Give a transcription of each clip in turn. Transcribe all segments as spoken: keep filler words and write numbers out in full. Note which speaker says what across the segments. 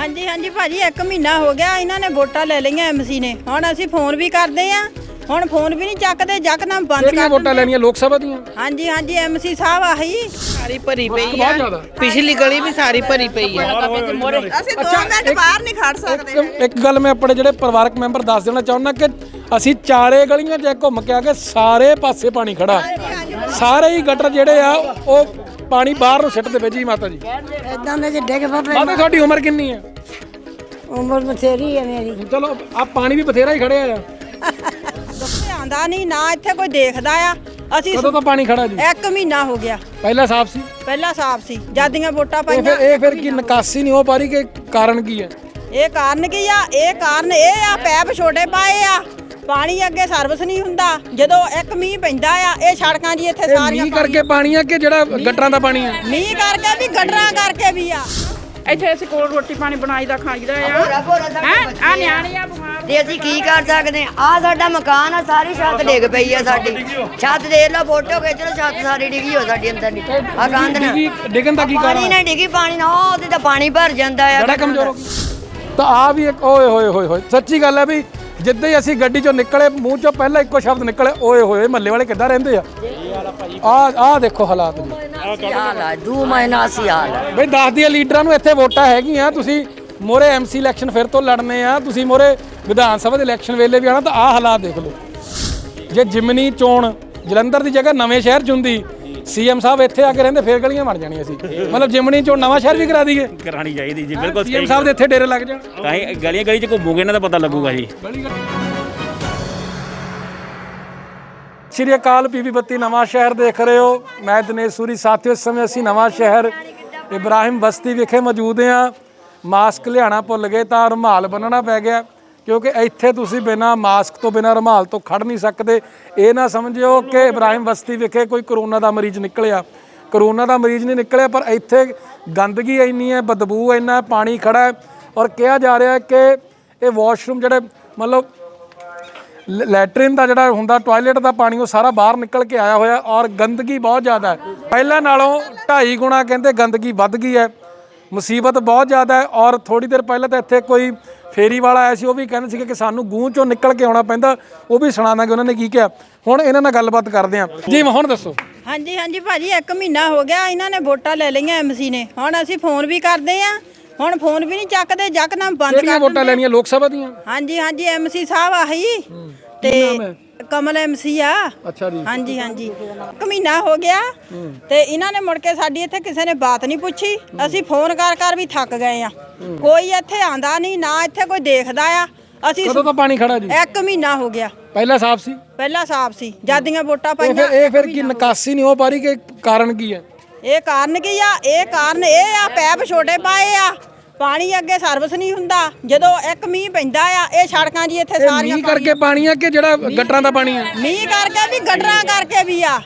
Speaker 1: हाँ जी हाँ जी भाजी एक महीना हो गया इन्होंने वोटा ले लिया एमसी ने हुण असीं फोन भी करते हैं हुण फोन भी नहीं चकते यकदम बंद कर
Speaker 2: वोटा लेनियां लोक सभा दी।
Speaker 1: हाँ जी हाँ जी एमसी साहब आही
Speaker 3: सारी भरी पई है पिछली गली भी सारी भरी पई है
Speaker 1: ਅਸੀਂ दो मिनट बाहर नहीं खड़ सकते।
Speaker 2: एक गल मैं अपने ਜਿਹੜੇ ਪਰਿਵਾਰਕ ਮੈਂਬਰ ਦੱਸ ਦੇਣਾ ਚਾਹੁੰਦਾ ਕਿ ਅਸੀਂ ਚਾਰੇ ਗਲੀਆਂ 'ਚ ਘੁੰਮ ਕੇ ਆ ਕੇ ਸਾਰੇ ਪਾਸੇ ਪਾਣੀ ਖੜਾ ਸਾਰੇ ਹੀ ਗਟਰ ਜਿਹੜੇ ਆ ਉਹ ਪਾਣੀ ਬਾਹਰ ਨੂੰ ਸਿੱਟਦੇ ਪਏ ਜੀ ਮਾਤਾ ਜੀ।
Speaker 4: ਇਦਾਂ ਦੇ ਡਿੱਗ ਪਏ
Speaker 2: ਮਾਤਾ ਤੁਹਾਡੀ ਉਮਰ ਕਿੰਨੀ ਹੈ?
Speaker 4: ਉਮਰ ਬਥੇਰੀ ਹੈ ਮੇਰੀ।
Speaker 2: ਚਲੋ ਆ ਪਾਣੀ ਵੀ ਬਥੇਰਾ ਹੀ ਖੜਿਆ ਆ।
Speaker 1: ਦੁੱਖੇ ਆਂਦਾ ਨਹੀਂ ਨਾ ਇੱਥੇ ਕੋਈ ਦੇਖਦਾ ਆ ਅਸੀਂ
Speaker 2: ਕਦੋਂ ਤੋਂ ਪਾਣੀ ਖੜਾ ਜੀ?
Speaker 1: ਇੱਕ ਮਹੀਨਾ ਹੋ ਗਿਆ।
Speaker 2: ਪਹਿਲਾਂ ਸਾਫ਼ ਸੀ?
Speaker 1: ਪਹਿਲਾਂ ਸਾਫ਼ ਸੀ ਜਦੀਆਂ ਵੋਟਾਂ
Speaker 2: ਇਹ
Speaker 1: ਪਾਈਆਂ।
Speaker 2: ਫਿਰ ਇਹ ਫਿਰ ਕੀ ਨਿਕਾਸੀ ਨਹੀਂ ਹੋ ਪਾ ਰਹੀ ਕਿ ਕਾਰਨ ਕੀ ਹੈ?
Speaker 1: ਇਹ ਕਾਰਨ ਕੀ ਆ ਇਹ ਕਾਰਨ ਇਹ ਆ ਪੈਪ ਛੋਟੇ ਪਾਏ ਆ ਪਾਣੀ ਅੱਗੇ ਸਰਵਿਸ ਨਹੀਂ ਹੁੰਦਾ ਜਦੋਂ ਇੱਕ ਮੀਂਹ ਪੈਂਦਾ ਆ ਇਹ ਸੜਕਾਂ ਜੀ ਇੱਥੇ ਸਾਰੀਆਂ
Speaker 2: ਮੀਂਹ ਕਰਕੇ ਪਾਣੀ ਆ ਕਿ ਜਿਹੜਾ ਗਟਰਾਂ ਦਾ ਪਾਣੀ ਆ?
Speaker 1: ਮੀਂਹ ਕਰਕੇ ਵੀ ਗਟਰਾਂ ਕਰਕੇ ਵੀ ਆ।
Speaker 5: ਇੱਥੇ ਅਸੀਂ ਕੋਲ ਰੋਟੀ ਪਾਣੀ ਬਣਾਈ ਦਾ ਖਾਈਦਾ ਆ ਹੈ ਆ ਨਿਆਣੇ ਆ ਬਿਮਾਰ
Speaker 4: ਤੇ ਅਸੀਂ ਕੀ ਕਰ ਸਕਦੇ ਆ? ਆ ਸਾਡਾ ਮਕਾਨ ਆ ਸਾਰੀ ਛੱਤ ਡਿੱਗ ਪਈ ਆ ਸਾਡੀ ਛੱਤ ਦੇਖ ਲਓ ਫੋਟੋ ਖਿੱਚ ਲਓ ਛੱਤ ਸਾਰੀ ਡਿੱਗੀ ਹੋ ਸਾਡੀ ਅੰਦਰ ਦੀ ਆ ਕੰਧ ਨਾ
Speaker 2: ਡਿੱਗੀ- ਡਿੱਗਣ ਦਾ ਕੀ ਕਾਰਨ
Speaker 4: ਪਾਣੀ ਨਾਲ ਡਿੱਗੀ ਪਾਣੀ ਨਾਲ ਉਹ ਉਹਦੇ ਤਾਂ ਪਾਣੀ ਭਰ ਜਾਂਦਾ ਆ
Speaker 2: ਬੜਾ ਕਮਜ਼ੋਰ ਹੋ ਗਿਆ। ਤਾਂ ਆ ਵੀ ਇੱਕ ਓਏ ਹੋਏ ਹੋਏ ਹੋਏ ਸੱਚੀ ਗੱਲ ਹੈ ਵੀ ਜਿੱਦਾਂ ਹੀ ਅਸੀਂ ਗੱਡੀ ਚੋਂ ਨਿਕਲੇ ਮੂੰਹ ਚੋਂ ਪਹਿਲਾਂ ਇੱਕੋ ਸ਼ਬਦ ਨਿਕਲੇ ਓਏ ਹੋਏ ਮੱਲੇ ਵਾਲੇ ਕਿੱਦਾਂ ਰਹਿੰਦੇ ਆ? ਆ ਆ ਦੇਖੋ ਹਾਲਾਤ ਜੀ।
Speaker 4: ਹਾਲ ਆ ਦੋ ਮਹੀਨਾ ਸੀ ਹਾਲ
Speaker 2: ਬਈ ਦੱਸ ਦਈਏ ਲੀਡਰਾਂ ਨੂੰ ਇੱਥੇ ਵੋਟਾਂ ਹੈਗੀਆਂ ਤੁਸੀਂ ਮੋਰੇ ਐਮਸੀ ਇਲੈਕਸ਼ਨ ਫਿਰ ਤੋਂ ਲੜਨੇ ਆ ਤੁਸੀਂ ਮੋਰੇ ਵਿਧਾਨ ਸਭਾ ਦੇ ਇਲੈਕਸ਼ਨ ਵੇਲੇ ਵੀ ਆਣਾ ਤਾਂ ਆਹ ਹਾਲਾਤ ਦੇਖ ਲਓ। ਜੇ ਜਿਮਨੀ ਚੋਣ ਜਲੰਧਰ ਦੀ ਜਗ੍ਹਾ ਨਵੇਂ ਸ਼ਹਿਰ 'ਚ ਹੁੰਦੀ ਸੀਐਮ ਸਾਹਿਬ ਇੱਥੇ ਆ ਕੇ ਰਹਿੰਦੇ ਫੇਰ ਗਲੀਆਂ ਬਣ ਜਾਣੀਆਂ ਸੀ ਮਤਲਬ ਜਿਮਨੀ ਚੋਣ ਨਵਾਂ ਸ਼ਹਿਰ ਵੀ ਕਰਾ ਦਈਏ
Speaker 6: ਕਰਾਣੀ ਚਾਹੀਦੀ ਜੀ ਬਿਲਕੁਲ
Speaker 2: ਸੀਐਮ ਸਾਹਿਬ ਦੇ ਇੱਥੇ ਡੇਰੇ ਲੱਗ ਜਾਣ
Speaker 6: ਤਾਂ ਹੀ ਗਲੀਆਂ ਗਲੀ 'ਚ ਘੁੰਮੋਗੇ ਇਹਨਾਂ ਦਾ ਪਤਾ ਲੱਗੂਗਾ ਜੀ।
Speaker 2: ਸ਼੍ਰੀ ਅਕਾਲ ਪੀਵੀ ਬੱਤੀ ਨਵਾਂ ਸ਼ਹਿਰ ਦੇਖ ਰਹੇ ਹੋ ਮੈਂ ਦਿਨੇਸ਼ ਸੂਰੀ ਸਾਥੀਓ ਇਸ ਸਮੇਂ ਅਸੀਂ ਨਵਾਂ ਸ਼ਹਿਰ ਇਬਰਾਹਿਮ ਬਸਤੀ ਵਿਖੇ ਮੌਜੂਦ ਹਾਂ। ਮਾਸਕ ਲਿਆਣਾ ਭੁੱਲ ਗਏ ਤਾਂ ਰੁਮਾਲ ਬੰਨਣਾ ਪੈ ਗਿਆ ਕਿਉਂਕਿ ਇੱਥੇ ਤੁਸੀਂ ਬਿਨਾਂ ਮਾਸਕ ਤੋਂ ਬਿਨਾਂ ਰੁਮਾਲ ਤੋਂ ਖੜ ਨਹੀਂ ਸਕਦੇ। ਇਹ ਨਾ ਸਮਝਿਓ ਕਿ ਇਬਰਾਹਿਮ ਬਸਤੀ ਵਿਖੇ ਕੋਈ ਕਰੋਨਾ ਦਾ ਮਰੀਜ਼ ਨਿਕਲਿਆ ਕਰੋਨਾ ਦਾ ਮਰੀਜ਼ ਨਹੀਂ ਨਿਕਲਿਆ ਪਰ ਇੱਥੇ ਗੰਦਗੀ ਇੰਨੀ ਹੈ ਬਦਬੂ ਇੰਨਾ ਪਾਣੀ ਖੜਾ ਹੈ ਔਰ ਕਿਹਾ ਜਾ ਰਿਹਾ ਕਿ ਇਹ ਵਾਸ਼ਰੂਮ ਜਿਹੜੇ ਮਤਲਬ ਲੈਟਰਿਨ ਦਾ ਜਿਹੜਾ ਹੁੰਦਾ ਟਾਇਲਟ ਦਾ ਪਾਣੀ ਉਹ ਸਾਰਾ ਬਾਹਰ ਨਿਕਲ ਕੇ ਆਇਆ ਹੋਇਆ ਔਰ ਗੰਦਗੀ ਬਹੁਤ ਜ਼ਿਆਦਾ ਹੈ ਪਹਿਲਾਂ ਨਾਲੋਂ ਢਾਈ ਗੁਣਾ ਕਹਿੰਦੇ ਗੰਦਗੀ ਵੱਧ ਗਈ ਹੈ ਮੁਸੀਬਤ ਬਹੁਤ ਜ਼ਿਆਦਾ ਹੈ। ਔਰ ਥੋੜੀ ਦੇਰ ਪਹਿਲਾਂ ਤਾਂ ਇੱਥੇ ਕੋਈ ਫੇਰੀ ਵਾਲਾ ਆਇਆ ਸੀ ਉਹ ਵੀ ਕਹਿੰਦੇ ਸੀਗੇ ਕਿ ਸਾਨੂੰ ਗੂੰ ਚੋਂ ਨਿਕਲ ਕੇ ਆਉਣਾ ਪੈਂਦਾ ਉਹ ਵੀ ਸੁਣਾ ਦਾਂਗੇ ਉਹਨਾਂ ਨੇ ਕੀ ਕਿਹਾ। ਹੁਣ ਇਹਨਾਂ ਨਾਲ ਗੱਲਬਾਤ ਕਰਦੇ ਹਾਂ ਜੀ ਹੁਣ ਦੱਸੋ।
Speaker 1: ਹਾਂਜੀ ਹਾਂਜੀ ਭਾਜੀ ਇੱਕ ਮਹੀਨਾ ਹੋ ਗਿਆ ਇਹਨਾਂ ਨੇ ਵੋਟਾਂ ਲੈ ਲਈਆਂ ਐਮਸੀ ਨੇ ਹੁਣ ਅਸੀਂ ਫੋਨ ਵੀ ਕਰਦੇ ਆ ਹੁਣ ਫੋਨ ਵੀ ਨਹੀਂ ਚੱਕਦੇ ਯਕਦਮ ਬੰਦ ਕਰ
Speaker 2: ਕਿਹੜੀਆਂ ਵੋਟਾਂ ਲੈਣੀਆਂ ਲੋਕ ਸਭਾ ਦੀਆਂ?
Speaker 1: ਹਾਂਜੀ ਹਾਂਜੀ ਐਮਸੀ ਸਾਹਿਬ ਆਹੀ ਤੇ ਕਮਲ ਐਮਸੀ ਆ।
Speaker 2: ਅੱਛਾ ਜੀ।
Speaker 1: ਹਾਂਜੀ ਹਾਂਜੀ ਇੱਕ ਮਹੀਨਾ ਹੋ ਗਿਆ ਤੇ ਇਹਨਾਂ ਨੇ ਮੁੜ ਕੇ ਸਾਡੀ ਇੱਥੇ ਕਿਸੇ ਨੇ ਬਾਤ ਨਹੀਂ ਪੁੱਛੀ ਅਸੀਂ ਫੋਨ ਕਰ ਕਰ ਵੀ ਥੱਕ ਗਏ ਆ ਕੋਈ ਇੱਥੇ ਆਂਦਾ ਨਹੀਂ ਨਾ ਇੱਥੇ ਕੋਈ ਦੇਖਦਾ ਆ। ਅਸੀਂ
Speaker 2: ਕਦੋਂ ਤੋਂ ਪਾਣੀ ਖੜਾ ਜੀ?
Speaker 1: ਇੱਕ ਮਹੀਨਾ ਹੋ ਗਿਆ।
Speaker 2: ਪਹਿਲਾਂ ਸਾਫ਼ ਸੀ?
Speaker 1: ਪਹਿਲਾਂ ਸਾਫ਼ ਸੀ ਜਦੀਆਂ ਵੋਟਾਂ
Speaker 2: ਇਹ
Speaker 1: ਪਾਈਆਂ।
Speaker 2: ਫਿਰ ਇਹ ਫਿਰ ਕੀ ਨਿਕਾਸੀ ਨਹੀਂ ਹੋ ਪਾ ਰਹੀ ਕਿ ਕਾਰਨ ਕੀ ਹੈ?
Speaker 1: ਇਹ ਕਾਰਨ ਕੀ ਆ ਇਹ ਕਾਰਨ ਇਹ ਆ ਪੈਪ ਛੋਟੇ ਪਾਏ ਆ ਪਾਣੀ ਅੱਗੇ ਸਰਵਿਸ ਨਹੀਂ ਹੁੰਦਾ ਜਦੋਂ ਇੱਕ ਮੀਂਹ ਪੈਂਦਾ ਆ ਇਹ ਸੜਕਾਂ ਜੀ ਇੱਥੇ ਸਾਰੀਆਂ
Speaker 2: ਮੀਂਹ ਕਰਕੇ ਪਾਣੀ ਆ ਕਿ ਜਿਹੜਾ ਗਟਰਾਂ ਦਾ ਪਾਣੀ ਆ?
Speaker 1: ਮੀਂਹ ਕਰਕੇ ਵੀ ਗਟਰਾਂ ਕਰਕੇ ਵੀ ਆ।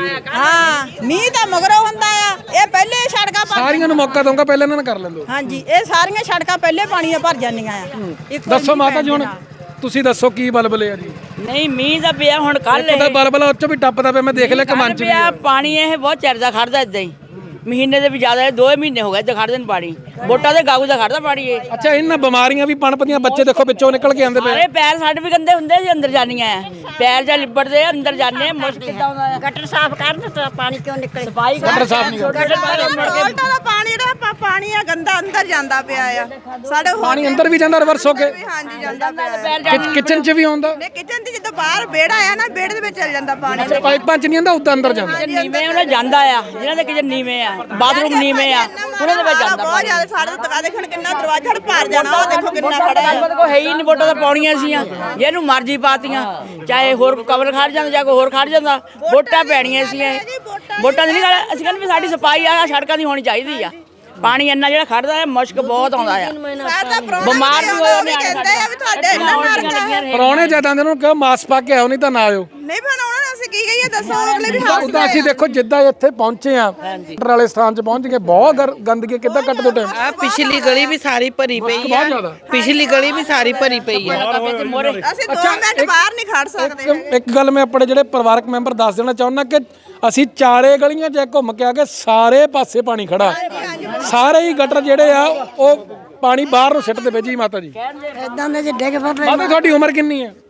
Speaker 1: ਹਾਂ ਮੀਂਹ ਤਾਂ ਮਗਰੋਂ ਹੁੰਦਾ ਆ ਇਹ ਪਹਿਲੇ ਸੜਕਾਂ ਭਰ
Speaker 2: ਸਾਰੀਆਂ ਨੂੰ ਮੌਕਾ ਦਊਂਗਾ ਪਹਿਲਾਂ ਇਹਨਾਂ ਨੂੰ ਕਰ ਲੈਂਦੋ।
Speaker 1: ਹਾਂਜੀ ਇਹ ਸਾਰੀਆਂ ਸੜਕਾਂ ਪਹਿਲੇ ਪਾਣੀ ਨਾਲ ਭਰ ਜਾਂਦੀਆਂ ਆ। ਇੱਕੋ
Speaker 2: ਦੱਸੋ
Speaker 1: ਮੀਂਹ
Speaker 2: ਮਾਤਾ ਜੀ ਹੁਣ
Speaker 1: ਪੈਣ
Speaker 2: ਤੁਸੀਂ ਦੱਸੋ ਕੀ ਬਲਬਲੇ ਆ ਜੀ?
Speaker 5: ਨਹੀਂ ਮੀਂਹ ਦਾ ਪਿਆ ਹੁਣ ਕੱਲ
Speaker 2: ਉਹਦਾ ਬਲਬਲਾ ਉੱਚੋਂ ਵੀ ਟੱਪਦਾ ਪਿਆ ਮੈਂ ਦੇਖ ਲਿਆ ਕਮਾਨ ਚ ਵੀ ਆ।
Speaker 5: ਪਾਣੀ ਇਹ ਬਹੁਤ ਚਿਰ ਦਾ ਖੜਦਾ ਇਦਾਂ ਹੀ ਮਹੀਨੇ ਦੇ ਵੀ ਜ਼ਿਆਦਾ ਦੋ ਮਹੀਨੇ ਹੋ ਗਏ ਤੇ ਖੜਦੇ ਨੇ ਪਾਣੀ ਵੋਟਾਂ ਦੇ ਗਾਗੂ ਦਾ ਖੜਦਾ ਪਾਣੀ ਇਹ।
Speaker 2: ਅੱਛਾ ਇਹਨਾਂ ਬਿਮਾਰੀਆਂ ਵੀ ਪਣਪਦੀਆਂ ਬੱਚੇ ਦੇਖੋ ਵਿੱਚੋਂ ਨਿਕਲ ਕੇ ਆਉਂਦੇ ਪਏ।
Speaker 5: ਅਰੇ ਪੈਰ ਸਾਡੇ ਵੀ ਗੰਦੇ ਹੁੰਦੇ ਸੀ ਅੰਦਰ ਜਾਨੀਆਂ ਪੈਰ ਜਾਂ ਲਿਬੜਦੇ ਅੰਦਰ ਜਾਂਦੇ ਮੁਸ਼ਕ ਕਿੱਦਾਂ ਆਉਂਦਾ ਆ
Speaker 4: ਗਟਰ ਸਾਫ਼ ਕਰਨ ਤਾਂ ਪਾਣੀ ਕਿਉਂ ਨਿਕਲੇ
Speaker 5: ਸਫਾਈ
Speaker 2: ਗਟਰ ਸਾਫ਼ ਨਹੀਂ ਕਰਦੇ।
Speaker 1: ਟੋਲਟਾ ਦਾ ਪਾਣੀ ਜਿਹੜਾ ਪਾਣੀ ਆ ਗੰਦਾ ਅੰਦਰ ਜਾਂਦਾ ਪਿਆ ਆ ਸਾਡੇ
Speaker 2: ਪਾਣੀ ਅੰਦਰ ਵੀ ਜਾਂਦਾ ਰਿਵਰਸ ਹੋ ਕੇ
Speaker 1: ਹਾਂਜੀ ਜਾਂਦਾ ਪਿਆ
Speaker 2: ਕਿਚਨ ਚ ਵੀ ਆਉਂਦਾ
Speaker 1: ਨੇ ਕਿਚਨ ਦੀ ਜਦੋਂ ਬਾਹਰ ਵਿਹੜਾ ਆ ਨਾ ਵਿਹੜੇ ਦੇ ਵਿੱਚ ਚੱਲ ਜਾਂਦਾ ਪਾਣੀ।
Speaker 2: ਪਾਈਪਾਂ ਚ ਨਹੀਂ ਆਉਂਦਾ ਉਦਾਂ ਅੰਦਰ ਜਾਂਦਾ।
Speaker 5: ਨੀਵੇਂ ਉਹਨਾਂ ਜਾਂਦਾ ਆ ਜਿਹਨਾਂ ਦੇ ਕਿਚਨ ਨੀਵੇਂ ਆ ਬਾਥਰੂਮ ਨੀਵੇਂ ਆ ਉਹਨਾਂ ਦੇ ਵਿੱਚ ਜਾਂਦਾ
Speaker 1: ਬਹੁਤ ਜ਼ਿਆਦਾ ਸਾਡੇ ਤਕਾ ਦੇਖਣ ਕਿੰਨਾ ਦਰਵਾਜ਼ਾ ਭਰ ਜਾਣਾ ਉਹ ਦੇਖੋ ਕਿੰਨਾ ਖੜਾ ਹੈ।
Speaker 5: ਕੋਈ ਹੈ ਹੀ ਨਹੀਂ ਵੋਟਾਂ ਤਾਂ ਪਾਉਣੀਆਂ ਸੀਆਂ ਜਿਹਨੂੰ ਮਰਜ਼ੀ ਪਾਤੀਆਂ ਚਾਹੇ ਹੋਰ ਕਵਰ ਖੜ ਜਾਂਦਾ ਜਾਂ ਕੋਈ ਹੋਰ ਖੜ ਜਾਂਦਾ ਵੋਟਾਂ ਪੈਣੀਆਂ ਸੀ ਵੋਟਾਂ ਦੀ ਨਹੀਂ ਗੱਲ ਅਸੀਂ ਕਹਿੰਦੇ ਵੀ ਸਾਡੀ ਸਫਾਈ ਆ ਸੜਕਾਂ ਦੀ ਹੋਣੀ ਚਾਹੀਦੀ ਆ ਪਾਣੀ ਇੰਨਾ ਜਿਹੜਾ ਖੜਦਾ ਹੈ ਮੁਸ਼ਕ ਬਹੁਤ ਆਉਂਦਾ ਆ ਬਿਮਾਰ ਵੀ ਹੋਏ ਨੇ
Speaker 1: ਕਹਿੰਦੇ ਆ ਵੀ ਤੁਹਾਡੇ ਇੰਨਾ ਨਰਕ
Speaker 2: ਪਰੌਣੇ ਜਿਆਦਾ ਉਹਨਾਂ ਨੂੰ ਕਹੋ ਮਾਸਕ ਪਾ ਕੇ ਆਓ ਨਹੀਂ ਤਾਂ ਨਾ ਆਇਓ।
Speaker 1: ਨਹੀਂ ਬਣਾਉਣਾ ਅਸੀਂ ਕੀ ਕਹੀਏ ਦੱਸੋ ਅਗਲੇ ਵੀ ਹਾਸ
Speaker 2: ਉਦਾਂ ਅਸੀਂ ਦੇਖੋ ਜਿੱਦਾਂ ਇੱਥੇ ਪਹੁੰਚੇ ਆ ਗਟਰ ਵਾਲੇ ਸਥਾਨ 'ਚ ਪਹੁੰਚ ਗਏ ਬਹੁਤ ਗਰ- ਗੰਦਗੀ ਕਿੱਦਾਂ ਕੱਟ ਦੋ ਟਾਈਮ
Speaker 3: ਆ ਪਿਛਲੀ ਗਲੀ ਵੀ ਸਾਰੀ ਭਰੀ ਪਈ
Speaker 2: ਬਹੁਤ
Speaker 3: ਹੈ
Speaker 2: ਜ਼ਿਆਦਾ।
Speaker 3: ਪਿਛਲੀ ਗਲੀ ਵੀ ਸਾਰੀ ਭਰੀ ਪਈ ਹੈ
Speaker 1: ਅਸੀਂ ਦੋ ਮਿੰਟ ਬਾਹਰ ਨਹੀਂ ਖੜ ਸਕਦੇ।
Speaker 2: ਇੱਕ ਇੱਕ ਗੱਲ ਮੈਂ ਆਪਣੇ ਜਿਹੜੇ ਪਰਿਵਾਰਕ ਮੈਂਬਰ ਦੱਸ ਦੇਣਾ ਚਾਹੁੰਦਾ ਕਿ ਅਸੀਂ ਚਾਰੇ ਗਲੀਆਂ 'ਚ ਘੁੰਮ ਕੇ ਆ ਕੇ ਸਾਰੇ ਪਾਸੇ ਪਾਣੀ ਖੜਾ ਸਾਰੇ ਹੀ ਗਟਰ ਜਿਹੜੇ ਆ ਉਹ ਪਾਣੀ ਬਾਹਰ ਨੂੰ ਸਿੱਟ ਦੇਵੇ ਜੀ ਮਾਤਾ ਜੀ।
Speaker 7: ਇਦਾਂ ਦੇ ਜੇ ਡਿੱਗ ਪਵੇ।
Speaker 2: ਮਾਤਾ ਤੁਹਾਡੀ ਉਮਰ ਕਿੰਨੀ ਹੈ?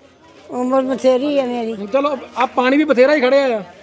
Speaker 7: ਉਮਰ ਬਥੇਰੀ ਹੈ ਮੇਰੀ।
Speaker 2: ਚਲੋ ਆ ਪਾਣੀ ਵੀ ਬਥੇਰਾ ਹੀ ਖੜਿਆ ਆ।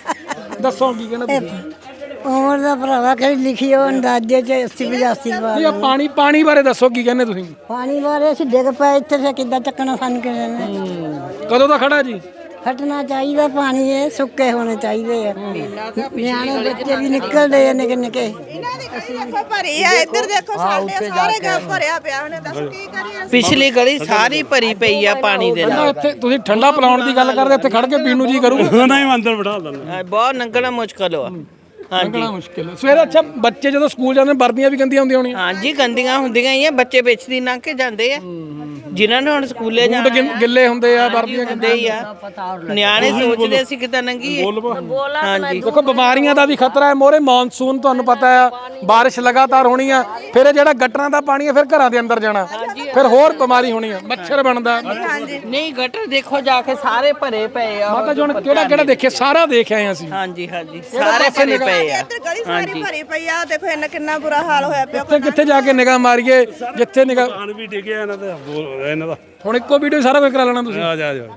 Speaker 2: ਦੱਸੋ ਕੀ ਕਹਿੰਦਾ ਤੁਸੀਂ?
Speaker 7: ਉਮਰ ਦਾ ਭਰਾਵਾ ਕਿਹੜੀ ਲਿਖੀ ਉਹ ਅੰਦਾਜ਼ੇ ਚ ਅੱਸੀ ਪਚਾਸੀ ਵਾਰ।
Speaker 2: ਨਹੀਂ ਆ ਪਾਣੀ ਪਾਣੀ ਬਾਰੇ ਦੱਸੋ ਕੀ ਕਹਿੰਦੇ ਤੁਸੀਂ?
Speaker 7: ਪਾਣੀ ਬਾਰੇ ਅਸੀਂ ਡਿੱਗ ਪਏ ਇੱਥੇ ਫਿਰ ਕਿੱਦਾਂ ਚੱਕਣਾ ਸਾਨੂੰ ਕਿਸੇ ਨੇ।
Speaker 2: ਕਦੋਂ ਦਾ ਖੜਾ ਜੀ?
Speaker 7: ਹਟਣਾ ਚਾਹੀਦਾ ਪਾਣੀ, ਇਹ ਸੁੱਕੇ ਹੋਣੇ ਚਾਹੀਦੇ ਆ। ਨਿਆਣੇ ਬੱਚੇ ਵੀ ਨਿਕਲਦੇ ਆ ਨਿੱਕੇ ਨਿੱਕੇ।
Speaker 1: ਇਹਨਾਂ ਦੀ ਗਲੀ ਦੇਖੋ ਭਰੀ ਆ, ਇੱਧਰ ਦੇਖੋ ਸਾਡੇ ਸਾਰੇ ਘਰ ਭਰਿਆ ਪਿਆ। ਉਹਨੇ ਦੱਸ ਕੀ ਕਰੀਏ?
Speaker 3: ਪਿਛਲੀ ਗਲੀ ਸਾਰੀ ਭਰੀ ਪਈ ਆ ਪਾਣੀ ਦੇ ਨਾਲ।
Speaker 2: ਇੱਥੇ ਤੁਸੀਂ ਠੰਡਾ ਪਿਲਾਉਣ ਦੀ ਗੱਲ ਕਰਦੇ, ਇੱਥੇ ਖੜ ਕੇ ਪੀਣ ਨੂੰ ਜੀ ਕਰੂਗਾ?
Speaker 6: ਨਹੀਂ ਅੰਦਰ ਬਿਠਾ ਦਿੰਦਾ।
Speaker 3: ਹਾਂ, ਬਹੁਤ ਲੰਘਣਾ ਮੁਸ਼ਕਲ ਆ। ਹਾਂਜੀ
Speaker 2: ਬੜਾ ਮੁਸ਼ਕਿਲ ਹੈ। ਸਵੇਰੇ ਅੱਛਾ ਬੱਚੇ ਜਦੋਂ ਸਕੂਲ ਜਾਂਦੇ ਵਰਦੀਆਂ ਵੀ ਗੰਦੀਆਂ ਹੁੰਦੀਆਂ ਹੋਣੀਆਂ?
Speaker 3: ਹਾਂਜੀ ਗੰਦੀਆਂ ਹੁੰਦੀਆਂ ਹੀ ਆ, ਬੱਚੇ ਵਿੱਚ ਦੀ ਲੰਘ ਕੇ ਜਾਂਦੇ ਆ ਜਿਨ੍ਹਾਂ ਨੇ ਹੁਣ ਸਕੂਲੇ ਜਾਣਾ
Speaker 2: ਬੂਟ ਗਿ- ਗਿੱਲੇ ਹੁੰਦੇ ਆ, ਵਰਦੀਆਂ
Speaker 3: ਹੁੰਦੇ ਹੀ ਆ। ਨਿਆਣੇ ਸੋਚਦੇ ਅਸੀਂ ਕਿੱਦਾਂ ਲੰਘੀਏ। ਹਾਂਜੀ
Speaker 2: ਦੇਖੋ ਬਿਮਾਰੀਆਂ ਦਾ ਵੀ ਖਤਰਾ ਹੈ। ਮੋਰੇ ਮੌਨਸੂਨ ਤੁਹਾਨੂੰ ਪਤਾ ਹੈ, ਬਾਰਿਸ਼ ਲਗਾਤਾਰ ਹੋਣੀ ਆ। ਫਿਰ ਇਹ ਜਿਹੜਾ ਗਟਰਾਂ ਦਾ ਪਾਣੀ ਹੈ ਫਿਰ ਘਰਾਂ ਦੇ ਅੰਦਰ ਜਾਣਾ, ਫਿਰ ਹੋਰ ਬਿਮਾਰੀ ਹੋਣੀ ਆ, ਮੱਛਰ ਬਣਦਾ।
Speaker 3: ਨਹੀਂ ਗਟਰ ਦੇਖੋ ਜਾ ਕੇ ਸਾਰੇ ਭਰੇ ਪਏ ਆ।
Speaker 2: ਮਾਤਾ ਜੀ ਹੁਣ ਕਿਹੜਾ ਕਿਹੜਾ ਦੇਖੇ? ਸਾਰਾ ਦੇਖ ਆਏ ਅਸੀਂ।
Speaker 3: ਹਾਂਜੀ ਹਾਂਜੀ ਸਾਰੇ ਭਰੇ ਪਏ ਆ।
Speaker 1: ਇੱਧਰ ਗਲੀ ਸਾਰੀ ਭਰੀ ਪਈ ਆ। ਦੇਖੋ ਇਹਨਾਂ ਕਿੰਨਾ ਬੁਰਾ ਹਾਲ ਹੋਇਆ ਪਿਆ।
Speaker 2: ਕਿੱਥੇ ਕਿੱਥੇ ਜਾ ਕੇ ਨਿਗਾਹ ਮਾਰੀਏ? ਜਿੱਥੇ ਨਿਗਾਹ
Speaker 6: ਪਾਣੀ ਵੀ ਡਿੱਗਿਆ ਇਹਨਾਂ ਦਾ ਇਹਨਾਂ ਦਾ।
Speaker 2: ਹੁਣ ਇੱਕੋ ਵੀਡੀਓ ਸਾਰਾ ਕੁਝ ਕਰਾ ਲੈਣਾ ਤੁਸੀਂ।
Speaker 6: ਆ ਜਾ ਜਾ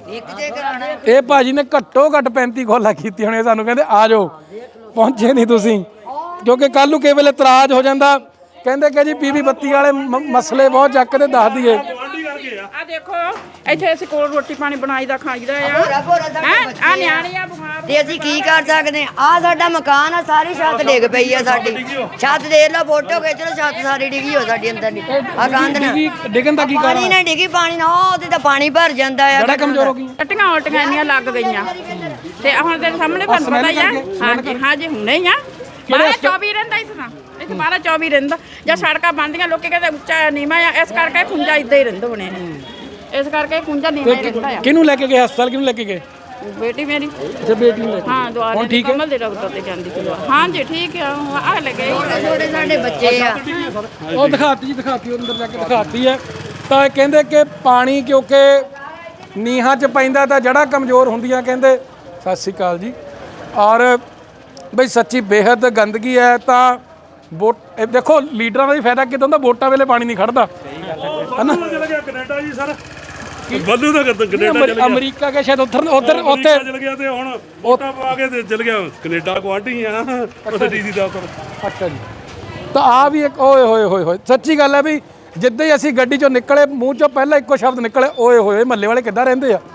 Speaker 2: ਇਹ ਭਾਜੀ ਨੇ ਘੱਟੋ ਘੱਟ ਪੈਂਤੀ ਕੋਲਾ ਕੀਤੀ ਹੋਣੀ। ਸਾਨੂੰ ਕਹਿੰਦੇ ਆ ਜਾਓ, ਪਹੁੰਚੇ ਨਹੀਂ ਤੁਸੀਂ, ਕਿਉਂਕਿ ਕੱਲ ਨੂੰ ਕਿਸੇ ਵੇਲੇ ਇਤਰਾਜ਼ ਹੋ ਜਾਂਦਾ। ਕਹਿੰਦੇ ਕਿ ਜੀ ਪੀਵੀ ਬੱਤੀ ਵਾਲੇ ਮ- ਮਸਲੇ ਬਹੁਤ ਚੱਕਦੇ ਦੱਸ ਦਈਏ।
Speaker 5: ਆ ਦੇਖੋ ਇੱਥੇ ਅਸੀਂ ਕੋਲ ਰੋਟੀ ਪਾਣੀ ਬਣਾਈ ਦਾ ਖਾਈਦਾ ਆ। ਹੈ ਆ ਨਿਆਣੇ ਆ ਬਿਮਾਰ।
Speaker 4: ਤੇ ਅਸੀਂ ਕੀ ਕਰ ਸਕਦੇ ਆ? ਆ ਸਾਡਾ ਮਕਾਨ ਆ, ਸਾਰੀ ਛੱਤ ਡਿੱਗ ਪਈ ਆ ਸਾਡੀ। ਛੱਤ ਦੇਖ ਲਓ, ਫੋਟੋ ਖਿੱਚ ਲਓ, ਛੱਤ ਸਾਰੀ ਡਿੱਗੀ ਹੋ ਸਾਡੀ ਅੰਦਰ ਦੀ। ਆ ਕੰਧ ਨਾ
Speaker 2: ਡਿੱਗੀ- ਡਿੱਗਣ ਦਾ ਕੀ ਕਾਰਨ
Speaker 4: ਪਾਣੀ ਨਾਲ ਡਿੱਗੀ, ਪਾਣੀ ਨਾਲ ਉਹ ਉਹਦੇ ਤਾਂ ਪਾਣੀ ਭਰ ਜਾਂਦਾ ਆ।
Speaker 2: ਬੜਾ ਕਮਜ਼ੋਰ ਹੋ ਗਈ।
Speaker 5: ਟੱਟੀਆਂ ਉਲਟੀਆਂ ਇੰਨੀਆਂ ਲੱਗ ਗਈਆਂ ਤੇ ਹੁਣ ਤੇਰੇ ਸਾਹਮਣੇ ਤੁਹਾਨੂੰ ਪਤਾ ਹੀ ਆ। ਹਾਂਜੀ ਹਾਂਜੀ ਹੁਣੇ ਹੀ ਆ। ਬਾਰਾਂ ਚੌਵੀ ਰਹਿੰਦਾ ਇਸ ਤਰ੍ਹਾਂ, ਇੱਥੇ ਬਾਰਾਂ ਚੌਵੀ ਰਹਿੰਦਾ। ਜਾਂ ਸੜਕਾਂ ਬਣਦੀਆਂ ਲੋਕੀ ਕਹਿੰਦੇ ਉੱਚਾ ਨੀਵਾਂ ਆ, ਇਸ ਕਰਕੇ ਖੁੰਝਾ ਇੱਦਾਂ ਹੀ ਰਹਿੰਦਾ ਬਣੇ ਨੇ। ਇਸ ਕਰਕੇ ਖੁੰਝਾ ਨੀਵਾਂ ਹੀ ਰਹਿੰਦਾ ਆ।
Speaker 2: ਕਿਹਨੂੰ ਲੈ ਕੇ ਗਏ ਹਸਪਤਾਲ? ਕਿਹਨੂੰ ਲੈ ਕੇ ਗਏ?
Speaker 5: ਬੇਟੀ ਮੇਰੀ
Speaker 2: ਅੱਛਾ ਬੇਟੀ ਨੂੰ ਲੈ ਕੇ।
Speaker 5: ਹਾਂ ਦੁਆਰੇ
Speaker 2: ਹੁਣ ਠੀਕ ਹੈ?
Speaker 5: ਕਮਲ ਦੇ ਡਾਕਟਰ ਤੇ ਜਾਂਦੀ ਸੀ। ਹਾਂਜੀ ਠੀਕ ਆ। ਆ ਲੱਗੇ
Speaker 4: ਛੋਟੇ ਸਾਡੇ ਬੱਚੇ ਆ।
Speaker 2: ਉਹ ਦਿਖਾਤੀ ਜੀ, ਦਿਖਾਤੀ ਉਹ ਅੰਦਰ ਜਾ ਕੇ ਦਿਖਾਤੀ ਹੈ। ਤਾਂ ਇਹ ਕਹਿੰਦੇ ਕਿ ਪਾਣੀ ਕਿਉਂਕਿ ਨੀਹਾਂ 'ਚ ਪੈਂਦਾ ਤਾਂ ਜੜ੍ਹਾਂ ਕਮਜ਼ੋਰ ਹੁੰਦੀਆਂ ਕਹਿੰਦੇ। ਸਤਿ ਸ਼੍ਰੀ ਅਕਾਲ ਜੀ। ਔਰ ਬਈ ਸੱਚੀ ਬੇਹੱਦ ਗੰਦਗੀ ਹੈ। ਤਾਂ ਵੋਟ ਇਹ ਦੇਖੋ ਲੀਡਰਾਂ ਦਾ ਵੀ ਫਾਇਦਾ ਕਿਦਾਂ ਹੁੰਦਾ, ਵੋਟਾਂ ਵੇਲੇ ਪਾਣੀ ਨਹੀਂ ਖੜਦਾ ਹਨਾ।
Speaker 6: ਚਲ ਗਿਆ ਕੈਨੇਡਾ ਜੀ ਸਰ। ਬੱਲੂ ਦਾ ਕੈਨੇਡਾ ਚਲ ਗਿਆ।
Speaker 2: ਅਮਰੀਕਾ ਕੇ ਸ਼ਾਇਦ ਉੱਧਰ ਉੱਧਰ ਉੱਥੇ
Speaker 6: ਚਲ ਗਿਆ ਤੇ ਹੁਣ ਵੋਟਾਂ ਪਾ ਕੇ ਤੇ ਚਲ ਗਿਆ ਕੈਨੇਡਾ ਗੁਆਂਢੀ ਆ ਉੱਥੇ ਡੀਸੀ ਦਫ਼ਤਰ।
Speaker 2: ਅੱਛਾ ਜੀ। ਤਾਂ ਆ ਵੀ ਇੱਕ ਓਏ ਹੋਏ ਹੋਏ ਹੋਏ ਸੱਚੀ ਗੱਲ ਹੈ ਵੀ ਜਿੱਦਾਂ ਹੀ ਅਸੀਂ ਗੱਡੀ ਚੋਂ ਨਿਕਲੇ ਮੂੰਹ ਚੋਂ ਪਹਿਲਾਂ ਇੱਕੋ ਸ਼ਬਦ ਨਿਕਲੇ, ਓਏ ਹੋਏ ਮੱਲੇ ਵਾਲੇ ਕਿੱਦਾਂ ਰਹਿੰਦੇ ਆ।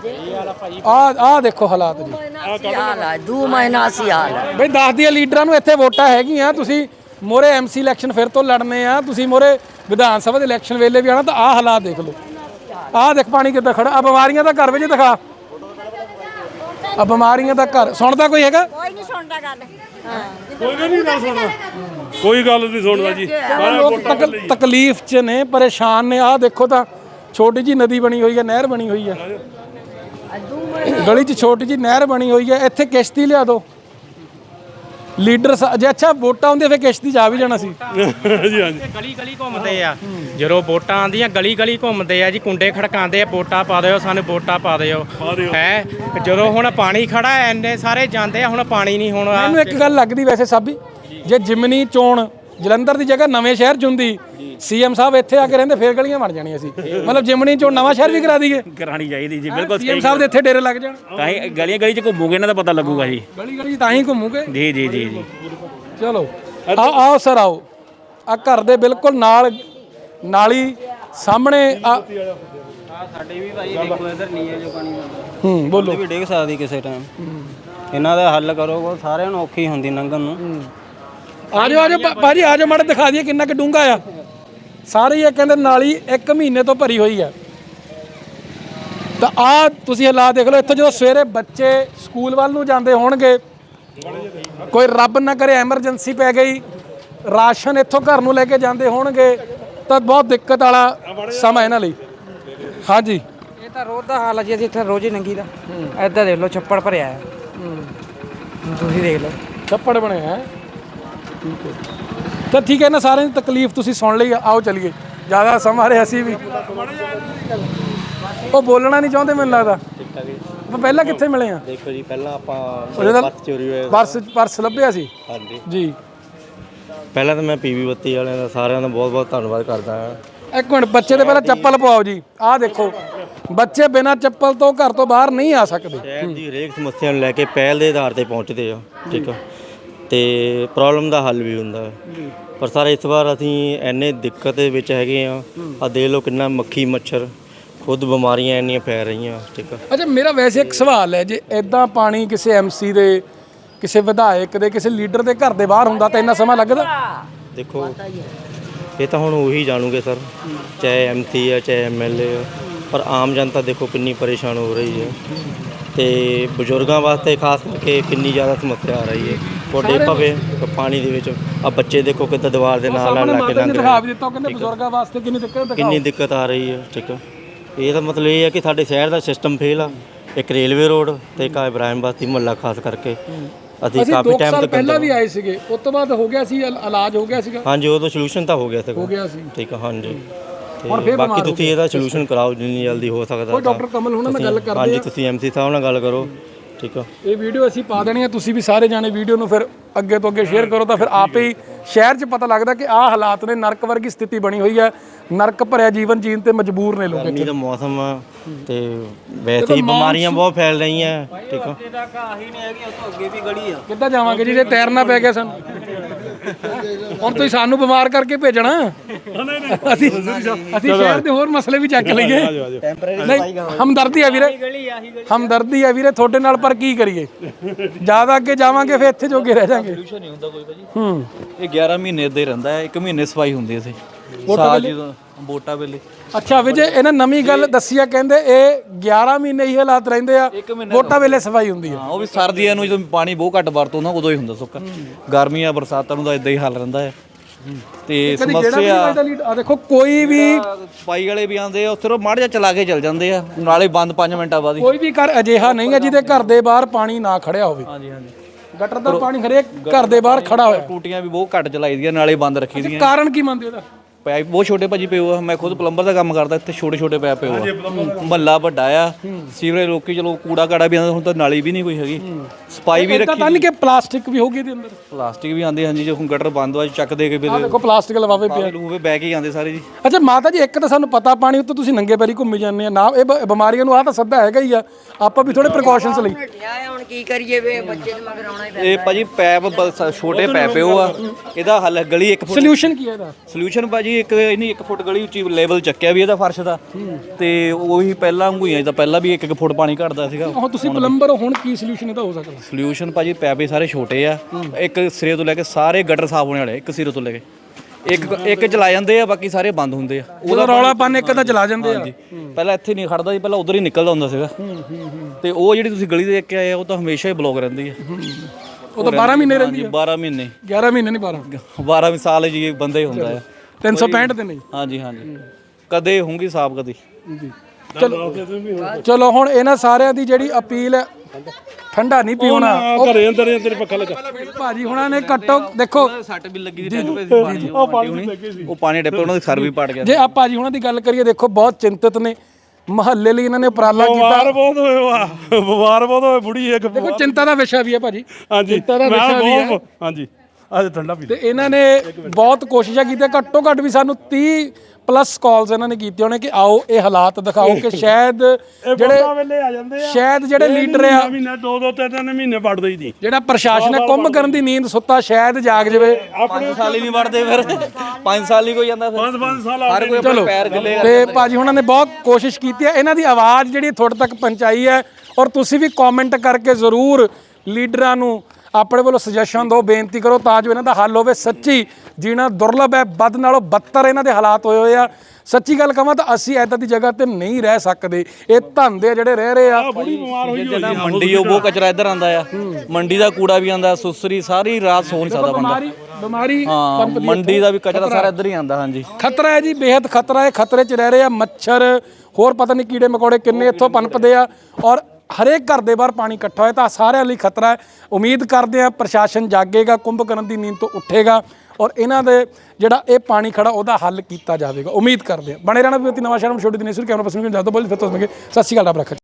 Speaker 2: ਆ ਆ ਦੇਖੋ ਹਾਲਾਤ ਜੀ।
Speaker 4: ਹਾਲ ਆ ਦੋ ਮਹੀਨਾ ਸੀ ਹਾਲ ਆ।
Speaker 2: ਬਈ ਦੱਸ ਦਈਏ ਲੀਡਰਾਂ ਨੂੰ ਇੱਥੇ ਵੋਟਾਂ ਹੈਗੀਆਂ, ਤੁਸੀਂ ਮੋਰੇ ਐਮਸੀ ਇਲੈਕਸ਼ਨ ਫਿਰ ਤੋਂ ਲੜਨੇ ਆ, ਤੁਸੀਂ ਮੋਰੇ ਵਿਧਾਨ ਸਭਾ ਦੇ ਇਲੈਕਸ਼ਨ ਵੇਲੇ ਵੀ ਆਣਾ। ਤਾਂ ਆਹ ਹਾਲਾਤ ਦੇਖ ਲਓ। ਆਹ ਦੇਖ ਪਾਣੀ ਕਿੱਦਾਂ ਖੜਾ। ਆ ਬਿਮਾਰੀਆਂ ਦਾ ਘਰ ਵਿੱਚ ਦਿਖਾ। ਆ ਬਿਮਾਰੀਆਂ ਦਾ ਘਰ। ਸੁਣਦਾ ਕੋਈ ਹੈਗਾ?
Speaker 1: ਕੋਈ ਨਹੀਂ ਸੁਣਦਾ ਗੱਲ।
Speaker 6: ਕੋਈ ਗੱਲ ਨਹੀਂ ਗੱਲ ਸੁਣਦਾ, ਕੋਈ ਗੱਲ ਨਹੀਂ ਸੁਣਦਾ ਜੀ।
Speaker 2: ਲੋਕ ਤਕ- ਤਕਲੀਫ 'ਚ ਨੇ, ਪਰੇਸ਼ਾਨ ਨੇ। ਆਹ ਦੇਖੋ ਤਾਂ ਛੋਟੀ ਜੀ ਨਦੀ ਬਣੀ ਹੋਈ ਹੈ, ਨਹਿਰ ਬਣੀ ਹੋਈ ਹੈ ਗਲੀ 'ਚ, ਛੋਟੀ ਜੀ ਨਹਿਰ ਬਣੀ ਹੋਈ ਹੈ। ਇੱਥੇ ਕਿਸ਼ਤੀ ਲਿਆ ਦਿਓ ਲੀਡਰ ਸਾ- ਜੇ ਅੱਛਾ ਵੋਟਾਂ ਹੁੰਦੀਆਂ ਫਿਰ ਕਿਸ਼ਤੀ 'ਚ ਆ ਵੀ ਜਾਣਾ ਸੀ।
Speaker 6: ਹਾਂਜੀ ਹਾਂਜੀ
Speaker 8: ਗਲੀ ਗਲੀ ਘੁੰਮਦੇ ਆ ਜਦੋਂ ਵੋਟਾਂ ਆਉਂਦੀਆਂ, ਗਲੀ ਗਲੀ ਘੁੰਮਦੇ ਆ ਜੀ, ਕੁੰਡੇ ਖੜਕਾਉਂਦੇ ਆ, ਵੋਟਾਂ ਪਾ ਦਿਓ ਸਾਨੂੰ, ਵੋਟਾਂ ਪਾ ਦਿਓ ਹੈ। ਜਦੋਂ ਹੁਣ ਪਾਣੀ ਖੜਾ ਐਨੇ ਸਾਰੇ ਜਾਂਦੇ ਆ, ਹੁਣ ਪਾਣੀ ਨਹੀਂ ਹੋਣਾ।
Speaker 2: ਮੈਨੂੰ ਇੱਕ ਗੱਲ ਲੱਗਦੀ ਵੈਸੇ ਸਾਬੀ, ਜੇ ਜਿਮਨੀ ਚੋਣ ਜਲੰਧਰ ਦੀ ਜਗ੍ਹਾ ਨਵੇਂ ਸ਼ਹਿਰ 'ਚ ਹੁੰਦੀ, ਸੀਐਮ ਸਾਹਿਬ ਇੱਥੇ ਆ ਕੇ ਰਹਿੰਦੇ, ਫੇਰ ਗਲੀਆਂ ਬਣ ਜਾਣੀਆਂ ਸੀ। ਮਤਲਬ ਜਿਮਨੀ ਚੋਣ ਨਵਾਂ ਸ਼ਹਿਰ ਵੀ ਕਰਾ ਦਈਏ,
Speaker 6: ਕਰਾਣੀ ਚਾਹੀਦੀ ਜੀ। ਬਿਲਕੁਲ
Speaker 2: ਸੀਐਮ ਸਾਹਿਬ ਦੇ ਇੱਥੇ ਡੇਰੇ ਲੱਗ ਜਾਣ।
Speaker 6: ਤਾਂ ਹੀ ਗਲੀਆਂ ਗਲੀ ਚ ਘੁੰਮੂਗੇ ਇਹਨਾਂ ਦਾ ਪਤਾ ਲੱਗੂਗਾ ਜੀ।
Speaker 2: ਗਲੀ ਗਲੀ ਤਾਂ ਹੀ ਘੁੰਮੂਗੇ।
Speaker 6: ਜੀ ਜੀ ਜੀ ਜੀ।
Speaker 2: ਚਲੋ ਆਓ ਆਓ ਸਰ ਆਓ। ਆ ਘਰ ਦੇ ਬਿਲਕੁਲ ਨਾਲ ਨਾਲੀ ਸਾਹਮਣੇ ਆ।
Speaker 9: ਸਾਡੇ ਵੀ ਭਾਈ ਦੇਖੋ ਇਧਰ ਨਹੀਂ ਹੈ ਜੋ ਪਾਣੀ
Speaker 2: ਹੂੰ ਬੋਲੋ।
Speaker 9: ਵੀ ਡਿੱਗ ਸਕਦੀ ਕਿਸੇ ਟਾਈਮ। ਇਹਨਾਂ ਦਾ ਹੱਲ ਕਰੋ, ਸਾਰਿਆਂ ਨੂੰ ਔਖੀ ਹੁੰਦੀ ਲੰਘਣ ਨੂੰ।
Speaker 2: ਆ ਜਾਓ ਆ ਜਾਓ ਭਾਜੀ, ਆ ਜਾਓ ਮਾੜਾ ਦਿਖਾ ਦਈਏ ਕਿੰਨਾ ਕੁ ਡੂੰਘਾ ਆ। ਸਾਰੇ ਇਹ ਕਹਿੰਦੇ ਨਾਲੀ ਇੱਕ ਮਹੀਨੇ ਤੋਂ ਭਰੀ ਹੋਈ ਆ। ਤਾਂ ਆ ਤੁਸੀਂ ਹਾਲਾਤ ਦੇਖ ਲਓ। ਇੱਥੇ ਜਦੋਂ ਸਵੇਰੇ ਬੱਚੇ ਸਕੂਲ ਵੱਲ ਨੂੰ ਜਾਂਦੇ ਹੋਣਗੇ, ਕੋਈ ਰੱਬ ਨਾ ਕਰੇ ਐਮਰਜੈਂਸੀ ਪੈ ਗਈ, ਰਾਸ਼ਨ ਇੱਥੋਂ ਘਰ ਨੂੰ ਲੈ ਕੇ ਜਾਂਦੇ ਹੋਣਗੇ, ਤਾਂ ਬਹੁਤ ਦਿੱਕਤ ਵਾਲਾ ਸਮਾਂ ਇਹਨਾਂ ਲਈ। ਹਾਂਜੀ
Speaker 10: ਇਹ ਤਾਂ ਰੋਜ਼ ਦਾ ਹਾਲ ਹੈ ਜੀ। ਅਸੀਂ ਇੱਥੇ ਰੋਜ਼ ਹੀ ਲੰਗੀ ਦਾ ਐਦਾਂ ਦੇਖ ਲਓ, ਛੱਪੜ ਭਰਿਆ ਹੈ। ਤੁਸੀਂ ਦੇਖ ਲਓ
Speaker 2: ਛੱਪੜ ਬਣੇ ਹੈ। ਠੀਕ ਹੈ ਤਾਂ ਠੀਕ ਹੈ ਨਾ। ਸਾਰਿਆਂ ਦੀ ਤਕਲੀਫ ਤੁਸੀਂ ਸੁਣ ਲਈ। ਆਓ ਚਲੀਏ, ਜ਼ਿਆਦਾ ਸਮਾਂ ਰਹੇ ਅਸੀਂ ਵੀ। ਉਹ ਬੋਲਣਾ ਨਹੀਂ ਚਾਹੁੰਦੇ ਮੈਨੂੰ ਲੱਗਦਾ। ਆਪਾਂ ਪਹਿਲਾਂ ਕਿੱਥੇ ਮਿਲੇ ਆ?
Speaker 9: ਦੇਖੋ ਜੀ ਪਹਿਲਾਂ ਆਪਾਂ
Speaker 2: ਉਹਦਾ
Speaker 9: ਪਰਸ ਚੋਰੀ ਹੋਇਆ,
Speaker 2: ਪਰਸ ਪਰਸ ਲੱਭਿਆ ਸੀ।
Speaker 9: ਹਾਂਜੀ
Speaker 2: ਜੀ
Speaker 9: ਪਹਿਲਾਂ ਤਾਂ ਮੈਂ ਪੀਵੀ ਬੱਤੀ ਵਾਲਿਆਂ ਦਾ ਸਾਰਿਆਂ ਦਾ ਬਹੁਤ ਬਹੁਤ ਧੰਨਵਾਦ ਕਰਦਾ ਹਾਂ।
Speaker 2: ਇੱਕ ਮਿੰਟ, ਬੱਚੇ ਦੇ ਪਹਿਲਾਂ ਚੱਪਲ ਪਵਾਓ ਜੀ। ਆਹ ਦੇਖੋ, ਬੱਚੇ ਬਿਨਾਂ ਚੱਪਲ ਤੋਂ ਘਰ ਤੋਂ ਬਾਹਰ ਨਹੀਂ ਆ ਸਕਦੇ।
Speaker 9: ਸ਼ਹਿਰ ਦੀ ਹਰੇਕ ਸਮੱਸਿਆ ਨੂੰ ਲੈ ਕੇ ਪਹਿਲ ਦੇ ਆਧਾਰ ਤੇ ਪਹੁੰਚਦੇ ਆ, ਠੀਕ ਆ, ਤੇ ਪ੍ਰੋਬਲਮ ਦਾ ਹੱਲ ਵੀ ਹੁੰਦਾ ਹੈ। ਪਰ ਸਰ ਇਸ ਵਾਰ ਅਸੀਂ ਇੰਨੇ ਦਿੱਕਤ ਦੇ ਵਿੱਚ ਹੈਗੇ ਆ। ਆ ਦੇਖ ਲਓ ਕਿੰਨਾ ਮੱਖੀ ਮੱਛਰ, ਖੁਦ ਬਿਮਾਰੀਆਂ ਇੰਨੀਆਂ ਫੈਲ ਰਹੀਆਂ, ਠੀਕ ਆ।
Speaker 2: ਅੱਛਾ, ਮੇਰਾ ਵੈਸੇ ਇੱਕ ਸਵਾਲ ਹੈ, ਜੇ ਇਦਾਂ ਪਾਣੀ ਕਿਸੇ ਐਮਸੀ ਦੇ, ਕਿਸੇ ਵਿਧਾਇਕ ਦੇ, ਕਿਸੇ ਲੀਡਰ ਦੇ ਘਰ ਦੇ ਬਾਹਰ ਹੁੰਦਾ ਤਾਂ ਇੰਨਾ ਸਮਾਂ ਲੱਗਦਾ?
Speaker 9: ਦੇਖੋ ਇਹ ਤਾਂ ਹੁਣ ਉਹੀ ਜਾਣੂਗੇ ਸਰ, ਚਾਹੇ ਐਮਸੀ ਆ ਚਾਹੇ ਐਮਐਲਏ ਆ, ਪਰ ਆਮ ਜਨਤਾ ਦੇਖੋ ਕਿੰਨੀ ਪਰੇਸ਼ਾਨ ਹੋ ਰਹੀ ਹੈ, ਤੇ ਬਜ਼ੁਰਗਾਂ ਵਾਸਤੇ ਖਾਸ ਕਰਕੇ ਕਿੰਨੀ ਜ਼ਿਆਦਾ ਸਮੱਸਿਆ ਆ ਰਹੀ ਹੈ। ਤੁਹਾਡੇ ਪਵੇ ਪਾਣੀ ਦੇ ਵਿੱਚ ਆ ਬੱਚੇ ਦੇਖੋ ਕਿੱਦਾਂ ਦੀਵਾਰ ਦੇ ਨਾਲ ਨਾਲ ਲਾ ਕੇ ਲੰਘ ਰਹੇ,
Speaker 2: ਬਜ਼ੁਰਗਾਂ ਵਾਸਤੇ ਕਿੰਨੀ ਦਿੱਕਤ
Speaker 9: ਕਿੰਨੀ ਦਿੱਕਤ ਆ ਰਹੀ ਹੈ, ਠੀਕ ਆ। ਇਹਦਾ ਮਤਲਬ ਇਹ ਹੈ ਕਿ ਸਾਡੇ ਸ਼ਹਿਰ ਦਾ ਸਿਸਟਮ ਫੇਲ ਆ। ਇੱਕ ਰੇਲਵੇ ਰੋਡ ਤੇ ਇੱਕ ਇਬਰਾਹਿਮ ਬਸਤੀ ਮੁਹੱਲਾ ਖਾਸ ਕਰਕੇ ਅਸੀਂ ਕਾਫੀ ਟਾਈਮ ਤੋਂ
Speaker 2: ਪਹਿਲਾਂ ਵੀ ਆਏ ਸੀਗੇ, ਉਸ ਤੋਂ ਬਾਅਦ ਹੋ ਗਿਆ ਸੀ, ਇਲਾਜ ਹੋ ਗਿਆ ਸੀਗਾ।
Speaker 9: ਹਾਂਜੀ, ਉਹ ਤਾਂ ਸੋਲੂਸ਼ਨ ਤਾਂ ਹੋ ਗਿਆ ਸੀਗਾ,
Speaker 2: ਹੋ ਗਿਆ ਸੀ,
Speaker 9: ਠੀਕ ਆ। ਹਾਂਜੀ, ਤੇ ਬਾਕੀ ਤੁਸੀਂ ਇਹਦਾ ਸੋਲੂਸ਼ਨ ਕਰਾਓ ਜਿੰਨੀ ਜਲਦੀ ਹੋ ਸਕਦਾ।
Speaker 2: ਕੋਈ ਡਾਕਟਰ ਕਮਲ ਹੁਣਾਂ ਨਾਲ ਗੱਲ ਕਰਦੇ ਆ।
Speaker 9: ਹਾਂਜੀ, ਤੁਸੀਂ ਐਮਸੀ ਸਾਹਿਬ ਨਾਲ ਗੱਲ ਕਰੋ, ਠੀਕ ਆ।
Speaker 2: ਇਹ ਵੀਡੀਓ ਅਸੀਂ ਪਾ ਦੇਣੀ ਆ, ਤੁਸੀਂ ਵੀ ਸਾਰੇ ਜਾਣੇ ਵੀਡੀਓ ਨੂੰ ਫਿਰ ਅੱਗੇ ਤੋਂ ਅੱਗੇ ਸ਼ੇਅਰ ਕਰੋ, ਤਾਂ ਫਿਰ ਆਪੇ ਹੀ ਸ਼ਹਿਰ 'ਚ ਪਤਾ ਲੱਗਦਾ ਕਿ ਆਹ ਹਾਲਾਤ ਨੇ, ਨਰਕ ਵਰਗੀ ਸਥਿਤੀ ਬਣੀ ਹੋਈ ਹੈ, ਨਰਕ ਭਰਿਆ ਜੀਵਨ ਜੀਣ ਤੇ ਮਜਬੂਰ ਨੇ ਲੋਕ।
Speaker 9: ਗਰਮੀ ਦਾ ਮੌਸਮ ਆ ਤੇ ਵੈਸੇ ਹੀ ਬਿਮਾਰੀਆਂ ਬਹੁਤ ਫੈਲ ਰਹੀਆਂ, ਠੀਕ ਆ।
Speaker 2: ਕਿੱਦਾਂ ਜਾਵਾਂਗੇ ਜੀ ਜੇ ਤੈਰਨਾ ਪੈ ਗਿਆ ਸਾਨੂੰ? ਹੁਣ ਤੁਸੀਂ ਸਾਨੂੰ ਬਿਮਾਰ ਕਰਕੇ ਭੇਜਣਾ, ਅਸੀਂ ਅਸੀਂ ਸ਼ਹਿਰ ਦੇ ਹੋਰ ਮਸਲੇ ਵੀ ਚੱਕ ਲਈਏ। ਨਹੀਂ, ਹਮਦਰਦੀ ਆ ਵੀਰੇ, ਹਮਦਰਦੀ ਆ ਵੀਰੇ ਤੁਹਾਡੇ ਨਾਲ, ਪਰ ਕੀ ਕਰੀਏ, ਜ਼ਿਆਦਾ ਅੱਗੇ ਜਾਵਾਂਗੇ ਫਿਰ ਇੱਥੇ ਜੋਗੇ ਰਹਿ ਜਾਾਂਗੇ।
Speaker 11: ਸੋਲੂਸ਼ਨ ਨਹੀਂ ਹੁੰਦਾ ਕੋਈ ਭਾਜੀ।
Speaker 2: ਹੂੰ,
Speaker 11: ਇਹ ਗਿਆਰਾਂ ਮਹੀਨੇ ਇੱਦਾਂ ਹੀ ਰਹਿੰਦਾ ਹੈ, ਇੱਕ ਮਹੀਨੇ ਸਫਾਈ ਹੁੰਦੀ ਹੈ ਇੱਥੇ ਸਾਲ ਜਦੋਂ ਵੋਟਾਂ ਵੇਲੇ।
Speaker 2: ਅੱਛਾ ਵਿਜੇ, ਇਹਨਾਂ ਨਵੀਂ ਗੱਲ ਦੱਸੀ ਆ, ਕਹਿੰਦੇ ਇਹ ਗਿਆਰਾਂ ਮਹੀਨੇ ਹੀ ਹਾਲਾਤ ਰਹਿੰਦੇ ਆ, ਵੋਟਾਂ ਵੇਲੇ ਸਫਾਈ ਹੁੰਦੀ ਆ।
Speaker 11: ਹਾਂ, ਉਹ ਵੀ ਸਰਦੀਆਂ ਨੂੰ ਜਦੋਂ ਪਾਣੀ ਬਹੁਤ ਘੱਟ ਵਰਤੋਂ ਨਾ ਉਦੋਂ ਹੀ ਹੁੰਦਾ ਸੁੱਕਾ। ਗਰਮੀਆਂ ਬਰਸਾਤਾਂ ਨੂੰ ਤਾਂ ਇਦਾਂ ਹੀ ਹਾਲ ਰਹਿੰਦਾ ਹੈ। ਤੇ ਸਮੱਸਿਆ
Speaker 2: ਆ ਦੇਖੋ, ਕੋਈ ਵੀ
Speaker 11: ਸਫਾਈ ਵਾਲੇ ਵੀ ਆਉਂਦੇ ਆ, ਸਿਰਫ ਮਾੜਾ ਜਿਹਾ ਚਲਾ ਕੇ ਚੱਲ ਜਾਂਦੇ ਆ, ਨਾਲੇ ਬੰਦ ਪੰਜ ਮਿੰਟਾਂ ਬਾਅਦ ਹੀ।
Speaker 2: ਕੋਈ ਵੀ ਘਰ ਅਜਿਹਾ ਨਹੀਂ ਹੈ ਜਿਹਦੇ ਘਰ ਦੇ ਬਾਹਰ ਪਾਣੀ ਨਾ ਖੜਿਆ ਹੋਵੇ।
Speaker 11: ਹਾਂਜੀ ਹਾਂਜੀ,
Speaker 2: ਗਟਰ ਦਾ ਪਾਣੀ ਹਰੇਕ ਘਰ ਦੇ ਬਾਹਰ ਖੜਾ ਹੋਇਆ।
Speaker 11: ਟੂਟੀਆਂ ਵੀ ਬਹੁਤ ਘੱਟ ਚਲਾਈ ਦੀਆਂ, ਨਾਲੇ ਬੰਦ ਰੱਖੀ ਦੀਆਂ।
Speaker 2: ਕਾਰਨ ਕੀ ਮੰਨਦੇ ਉਹਦਾ?
Speaker 11: ਪਾਈਪ ਬਹੁਤ ਛੋਟੇ ਭਾਜੀ ਪਏ ਆ। ਮੈਂ ਖੁਦ ਪਲੰਬਰ ਦਾ ਕੰਮ ਕਰਦਾ, ਇੱਥੇ ਛੋਟੇ ਛੋਟੇ ਪਾਈਪ ਪਏ ਆ। ਮਹੱਲਾ ਵੱਡਾ ਆ, ਸੀਵਰੇਜ ਲੋਕੀ ਚਲੋ ਕੂੜਾ ਕਾੜਾ ਵੀ ਆਉਂਦਾ, ਹੁਣ ਤਾਂ ਨਾਲੀ ਵੀ ਨਹੀਂ ਕੋਈ ਹੈਗੀ, ਸਫਾਈ ਵੀ ਰੱਖੀ।
Speaker 2: ਤਾਂ ਨਹੀਂ ਕਿ ਪਲਾਸਟਿਕ ਵੀ ਹੋਊਗੀ ਇਹਦੇ ਅੰਦਰ?
Speaker 11: ਪਲਾਸਟਿਕ ਵੀ ਆਉਂਦੇ ਹਾਂਜੀ, ਜੇ ਹੁਣ ਗਟਰ ਬੰਦ ਹੋਇਆ ਚੱਕ ਦੇ ਕੇ ਵੀ
Speaker 2: ਦੇਖੋ ਪਲਾਸਟਿਕ ਲਵਾਵੇ ਪਿਆ,
Speaker 11: ਲੂਵੇ ਬੈ ਕੇ ਆਉਂਦੇ ਸਾਰੇ ਜੀ।
Speaker 2: ਅੱਛਾ ਮਾਤਾ ਜੀ, ਇੱਕ ਤਾਂ ਸਾਨੂੰ ਪਤਾ ਪਾਣੀ ਉੱਤੇ ਤੁਸੀਂ ਨੰਗੇ ਪੈਰੀ ਘੁੰਮੀ ਜਾਂਦੇ ਆ ਨਾ, ਇਹ ਬ- ਬਿਮਾਰੀਆਂ ਨੂੰ ਆਹ ਤਾਂ ਸੱਦਾ ਹੈਗਾ ਹੀ ਆ, ਆਪਾਂ ਵੀ ਥੋੜੇ ਪ੍ਰੀਕਾਸ਼ਨਸ ਲਈ।
Speaker 4: ਹੁਣ ਕੀ ਕਰੀਏ ਵੇ, ਬੱਚੇ ਤੇ ਮਗਰ ਆਉਣਾ ਹੀ
Speaker 11: ਇਹ ਭਾਜੀ ਪੈਪ ਬਸ ਛੋਟੇ ਪੈਪ ਉਹ ਆ, ਇਹਦਾ ਹੱਲ ਗਲੀ ਇੱਕ ਫੁੱਟ।
Speaker 2: ਸੋਲੂਸ਼ਨ ਕੀ ਹੈ ਇਹਦਾ?
Speaker 11: ਸੋਲੂਸ਼ਨ ਭਾਜੀ ਇੱਕ ਇਹਨੀ ਇੱਕ ਫੁੱਟ ਗਲੀ ਉੱਚੀ ਲੈਵਲ ਚੱਕਿਆ ਵੀ ਇਹਦਾ ਫਰਸ਼ ਦਾ, ਤੇ ਉਹੀ ਪਹਿਲਾਂ ਵਾਂਗੂਆਂ ਤਾਂ ਪਹਿਲਾਂ ਵੀ ਇੱਕ ਇੱਕ ਫੁੱਟ ਪਾਣੀ ਘਟਦਾ ਸੀਗਾ।
Speaker 2: ਉਹ ਤੁਸੀਂ ਪਲੰਬਰ ਹੋ, ਹੁਣ ਕੀ ਸੋਲੂਸ਼ਨ ਇਹਦਾ ਹੋ ਸਕਦਾ?
Speaker 11: ਸੋਲੂਸ਼ਨ ਭਾਜੀ ਪੈਪ ਸਾਰੇ ਛੋਟੇ ਆ, ਇੱਕ ਸਿਰੇ ਤੋਂ ਲੈ ਕੇ ਸਾਰੇ ਗਟਰ ਸਾਫ਼ ਹੋਣੇ ਵਾਲੇ, ਇੱਕ ਸਿਰੇ ਤੋਂ ਲੈ ਕੇ ਇੱਕ ਇੱਕ ਚਲਾ ਜਾਂਦੇ ਆ, ਬਾਕੀ ਸਾਰੇ ਬੰਦ ਹੁੰਦੇ ਆ।
Speaker 2: ਉਹਦਾ ਰੌਲਾ ਪਾਣ ਇੱਕ ਤਾਂ ਚਲਾ ਜਾਂਦੇ ਆ।
Speaker 11: ਪਹਿਲਾਂ ਇੱਥੇ ਨਹੀਂ ਖੜਦਾ ਸੀ, ਪਹਿਲਾਂ ਉਧਰ ਹੀ ਨਿਕਲਦਾ ਹੁੰਦਾ ਸੀਗਾ, ਤੇ ਉਹ ਜਿਹੜੀ ਤੁਸੀਂ ਗਲੀ ਦੇਖ ਕੇ ਆਏ ਉਹ ਤਾਂ ਹਮੇਸ਼ਾ ਹੀ ਬਲੌਕ ਰਹਿੰਦੀ ਹੈ।
Speaker 2: ਉਹ ਤਾਂ ਬਾਰਾਂ ਮਹੀਨੇ ਰਹਿੰਦੀ ਹੈ।
Speaker 11: ਬਾਰਾਂ ਮਹੀਨੇ
Speaker 2: ਗਿਆਰਾਂ ਮਹੀਨੇ ਨਹੀਂ, ਬਾਰਾਂ
Speaker 11: ਬਾਰਾਂ ਸਾਲ ਜੀ ਬੰਦਾ ਹੀ ਹੁੰਦਾ ਆ।
Speaker 2: ਤਿੰਨ ਸੌ ਪੈਂਹਠ ਦਿਨ।
Speaker 11: ਹਾਂਜੀ ਹਾਂਜੀ, ਕਦੇ ਹੋਊਗੀ ਸਾਫ ਕਦੀ।
Speaker 2: ਚਲੋ ਚਲੋ, ਹੁਣ ਇਹਨਾਂ ਸਾਰਿਆਂ ਦੀ ਜਿਹੜੀ ਅਪੀਲ ਹੈ, ਠੰਡਾ ਨਹੀਂ ਪੀਣਾ।
Speaker 6: ਘਰੇ ਅੰਦਰ ਅੰਦਰ ਪੱਖਾ ਲੱਗਾ
Speaker 2: ਭਾਜੀ ਹੁਣਾਂ ਨੇ ਘੱਟੋ ਦੇਖੋ
Speaker 11: ਸੱਟ ਵੀ ਲੱਗੀ ਦੀ ਉਹ ਪਾਣੀ ਡੱਪੇ, ਉਹਨਾਂ ਦੀ ਸਰ ਵੀ ਪਾਟ ਗਿਆ।
Speaker 2: ਜੇ ਆ ਭਾਜੀ ਹੁਣਾਂ ਦੀ ਗੱਲ ਕਰੀਏ, ਦੇਖੋ ਬਹੁਤ ਚਿੰਤਤ ਨੇ, ਮਹੱਲੇ ਲਈ ਇਹਨਾਂ ਨੇ ਉਪਰਾਲਾ ਕੀਤਾ।
Speaker 6: ਬਿਮਾਰ ਬਹੁਤ ਹੋਏ ਵਾ, ਬਿਮਾਰ ਬਹੁਤ ਹੋਏ, ਬੁੜੀ ਇੱਕ।
Speaker 2: ਦੇਖੋ ਚਿੰਤਾ ਦਾ ਵਿਸ਼ਾ ਵੀ ਹੈ ਭਾਜੀ,
Speaker 6: ਹਾਂਜੀ
Speaker 2: ਚਿੰਤਾ ਦਾ ਵਿਸ਼ਾ ਵੀ ਹੈ।
Speaker 6: ਹਾਂਜੀ, ਅੱਜ ਠੰਡਾ ਪੀ।
Speaker 2: ਤੇ ਇਹਨਾਂ ਨੇ ਬਹੁਤ ਕੋਸ਼ਿਸ਼ਾਂ ਕੀਤੀਆਂ, ਘੱਟੋ ਘੱਟ ਵੀ ਸਾਨੂੰ ਤੀਹ ਪਲੱਸ ਕਾਲਸ ਇਹਨਾਂ ਨੇ ਕੀਤੀਆਂ ਉਹਨੇ ਕਿ ਆਓ ਇਹ ਹਾਲਾਤ ਦਿਖਾਓ ਕਿ ਸ਼ਾਇਦ ਜਿਹੜੇ ਸ਼ਾਇਦ ਜਿਹੜੇ ਲੀਡਰ ਆ,
Speaker 6: ਮਹੀਨੇ ਦੋ ਦੋ ਤਿੰਨ ਤਿੰਨ ਮਹੀਨੇ ਵੜਦੇ ਹੀ ਨਹੀਂ,
Speaker 2: ਜਿਹੜਾ ਪ੍ਰਸ਼ਾਸਨ ਹੈ ਕੁੰਭ ਕਰਨ ਦੀ ਨੀਂਦ ਸੁੱਤਾ, ਸ਼ਾਇਦ ਜਾਗ ਜਾਵੇ।
Speaker 11: ਪੰਜ ਸਾਲ ਹੀ ਨਹੀਂ ਵੜਦੇ, ਫਿਰ ਪੰਜ ਸਾਲ ਹੀ ਕੋਈ ਜਾਂਦਾ,
Speaker 6: ਪੰਜ ਪੰਜ ਸਾਲ
Speaker 11: ਹਰ ਕੋਈ ਆਪਣੇ ਪੈਰ ਗਿੱਲੇ।
Speaker 2: ਤੇ ਭਾਜੀ ਹੁਣਾਂ ਨੇ ਬਹੁਤ ਕੋਸ਼ਿਸ਼ ਕੀਤੀ ਹੈ, ਇਹਨਾਂ ਦੀ ਆਵਾਜ਼ ਜਿਹੜੀ ਤੁਹਾਡੇ ਤੱਕ ਪਹੁੰਚਾਈ ਹੈ, ਔਰ ਤੁਸੀਂ ਵੀ ਕਮੈਂਟ ਕਰਕੇ ਜ਼ਰੂਰ ਲੀਡਰਾਂ ਨੂੰ ਆਪਣੇ ਵੱਲੋਂ ਸੁਜੈਸ਼ਨ ਦਿਓ, ਬੇਨਤੀ ਕਰੋ ਤਾਂ ਜੋ ਇਹਨਾਂ ਦਾ ਹੱਲ ਹੋਵੇ। ਸੱਚੀ ਜੀਣਾ ਦੁਰਲਭ ਹੈ, ਵੱਧ ਨਾਲੋਂ ਬੱਤਰ ਇਹਨਾਂ ਦੇ ਹਾਲਾਤ ਹੋਏ ਹੋਏ ਆ। ਸੱਚੀ ਗੱਲ ਕਹਾਂ ਤਾਂ ਅਸੀਂ ਐਦਾਂ ਦੀ ਜਗ੍ਹਾ ਤੇ ਨਹੀਂ ਰਹਿ ਸਕਦੇ। ਇਹ ਧੰਦੇ ਜਿਹੜੇ ਰਹਿ ਰਹੇ ਆ,
Speaker 11: ਜਿਹੜਾ ਮੰਡੀ ਉਹ ਬਹੁਤ ਕਚਰਾ ਇੱਧਰ ਆਂਦਾ ਆ, ਮੰਡੀ ਦਾ ਕੂੜਾ ਵੀ ਆਂਦਾ, ਸੁਸਰੀ ਸਾਰੀ ਰਾਤ ਸੌ ਨਹੀਂ ਸਕਦਾ ਬੰਦਾ।
Speaker 2: ਬਿਮਾਰੀ
Speaker 11: ਹਾਂ, ਮੰਡੀ ਦਾ ਵੀ ਕਚਰਾ ਸਾਰਾ ਇੱਧਰ ਹੀ ਆਂਦਾ। ਹਾਂਜੀ,
Speaker 2: ਖਤਰਾ ਹੈ ਜੀ, ਬੇਹੱਦ ਖਤਰਾ ਹੈ। ਖਤਰੇ 'ਚ ਰਹਿ ਰਹੇ ਆ ਮੱਛਰ, ਹੋਰ ਪਤਾ ਨਹੀਂ ਕੀੜੇ ਮਕੌੜੇ ਕਿੰਨੇ ਇੱਥੋਂ ਪਨਪਦੇ ਆ, ਔਰ ਹਰੇਕ ਘਰ ਦੇ ਬਾਹਰ ਪਾਣੀ ਇਕੱਠਾ ਹੋਇਆ ਤਾਂ ਸਾਰਿਆਂ ਲਈ ਖਤਰਾ ਹੈ। ਉਮੀਦ ਕਰਦੇ ਆ ਪ੍ਰਸ਼ਾਸਨ ਜਾਗੇਗਾ, ਕੁੰਭਕਰਨ ਦੀ ਨੀਂਦ ਤੋਂ ਉੱਠੇਗਾ, ਔਰ ਇਹਨਾਂ ਦੇ ਜਿਹੜਾ ਇਹ ਪਾਣੀ ਖੜਾ ਉਹਦਾ ਹੱਲ ਕੀਤਾ ਜਾਵੇਗਾ। ਉਮੀਦ ਕਰਦੇ ਆ। ਬਣੇ ਰਹਿਣਾ ਵੀ ਨਵਾਂ ਸ਼ਹਿਰ, ਛੋਟੀ ਦਿਨੇਸ਼ਵਰ, ਕੈਮਰਾ ਪਰਸਨ ਜਦੋਂ ਬੋਲੀ ਫਿਰ ਤੋਂ ਸੁਣਗੇ। ਸਤਿ ਸ਼੍ਰੀ ਅਕਾਲ, ਰੱਬ ਰੱਖੇ।